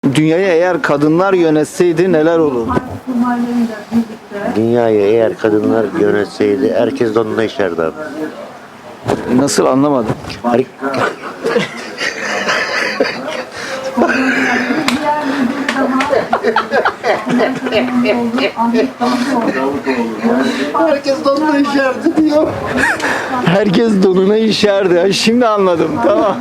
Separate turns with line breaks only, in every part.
Dünyayı eğer kadınlar yönetseydi neler olurdu?
Dünyayı eğer kadınlar yönetseydi herkes de onunla işerdi abi.
Nasıl, anlamadım.
Her- Herkes de onunla işerdi diyor.
Herkes donuna işerdi. Ha, şimdi anladım. Tamam.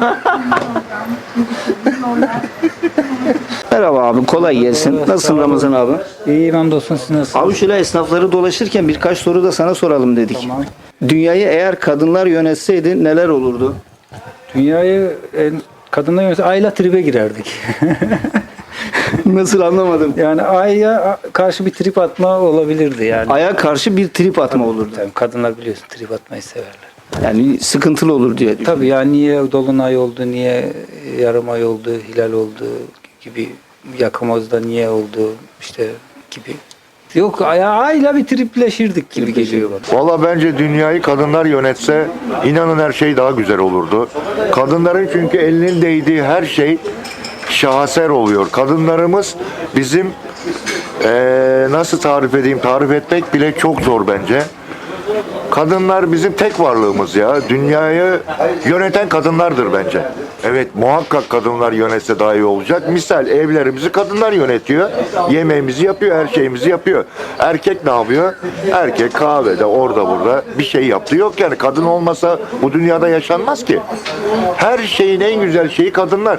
Merhaba abi, kolay gelsin. Nasılsın Ramazan abi?
İyiyim hamdolsun, siz nasılsınız?
Abi şöyle esnafları dolaşırken birkaç soru da sana soralım dedik.
Tamam.
Dünyayı eğer kadınlar yönetseydi neler olurdu?
Dünyayı kadınlar yönetse ayla tribe girerdik.
Nasıl, anlamadım.
Yani aya karşı bir trip atma olabilirdi yani.
Aya karşı bir trip atma olurdu.
Tabii kadınlar biliyorsun trip atmayı severler.
Yani sıkıntılı olur diye düşünüyorum.
Tabii yani niye dolunay oldu, niye yarım ay oldu, hilal oldu gibi, yakamazda niye oldu işte gibi. Yok ayla bir tripleşirdik gibi geliyor bana.
Valla bence dünyayı kadınlar yönetse inanın her şey daha güzel olurdu. Kadınların çünkü elinin değdiği her şey şaheser oluyor. Kadınlarımız bizim nasıl tarif edeyim, tarif etmek bile çok zor bence. Kadınlar bizim tek varlığımız ya. Dünyayı yöneten kadınlardır bence. Evet, muhakkak kadınlar yönetse daha iyi olacak. Misal evlerimizi kadınlar yönetiyor. Yemeğimizi yapıyor, her şeyimizi yapıyor. Erkek ne yapıyor? Erkek kahvede, orada burada bir şey yaptı. Yok yani kadın olmasa bu dünyada yaşanmaz ki. Her şeyin en güzel şeyi kadınlar.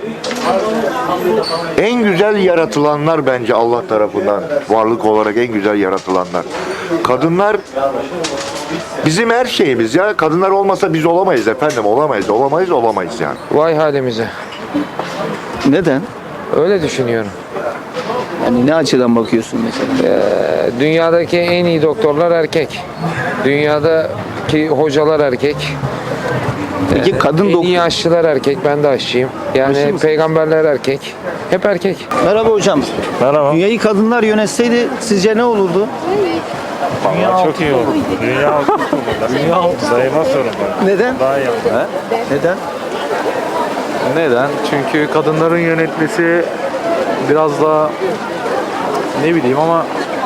En güzel yaratılanlar bence Allah tarafından. Varlık olarak en güzel yaratılanlar. Kadınlar bizim her şeyimiz ya. Kadınlar olmasa biz olamayız efendim. Olamayız yani.
Vay halimize.
Neden?
Öyle düşünüyorum.
Yani ne açıdan bakıyorsun mesela?
Dünyadaki en iyi doktorlar erkek. Dünyadaki hocalar erkek.
Peki kadın
En iyi
doktor...
aşçılar erkek. Ben de aşçıyım.
Aşı
Yani
mısın?
peygamberler erkek. Hep erkek.
Merhaba hocam.
Merhaba.
Dünyayı kadınlar yönetseydi sizce ne olurdu?
Vallahi çok iyi oldu. Dünya altı oldu. Dünya altı. Sayılmaz sorun var.
Neden?
Daha iyi oldu.
Neden?
Neden? Çünkü kadınların yönetmesi biraz daha ne bileyim ama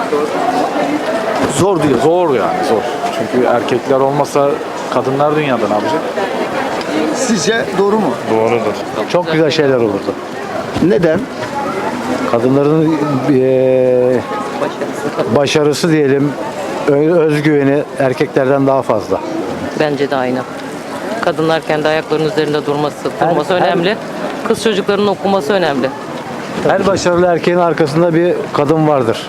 Zor diyor.
zor yani zor. Çünkü erkekler olmasa kadınlar dünyada ne yapacak?
Sizce doğru mu?
Doğrudur.
Çok güzel şeyler olurdu.
Neden?
Kadınların başarısı diyelim, özgüveni erkeklerden daha fazla.
Bence de aynı. Kadınlar kendi ayaklarının üzerinde durması önemli. Kız çocuklarının okuması önemli.
Her başarılı erkeğin arkasında bir kadın vardır.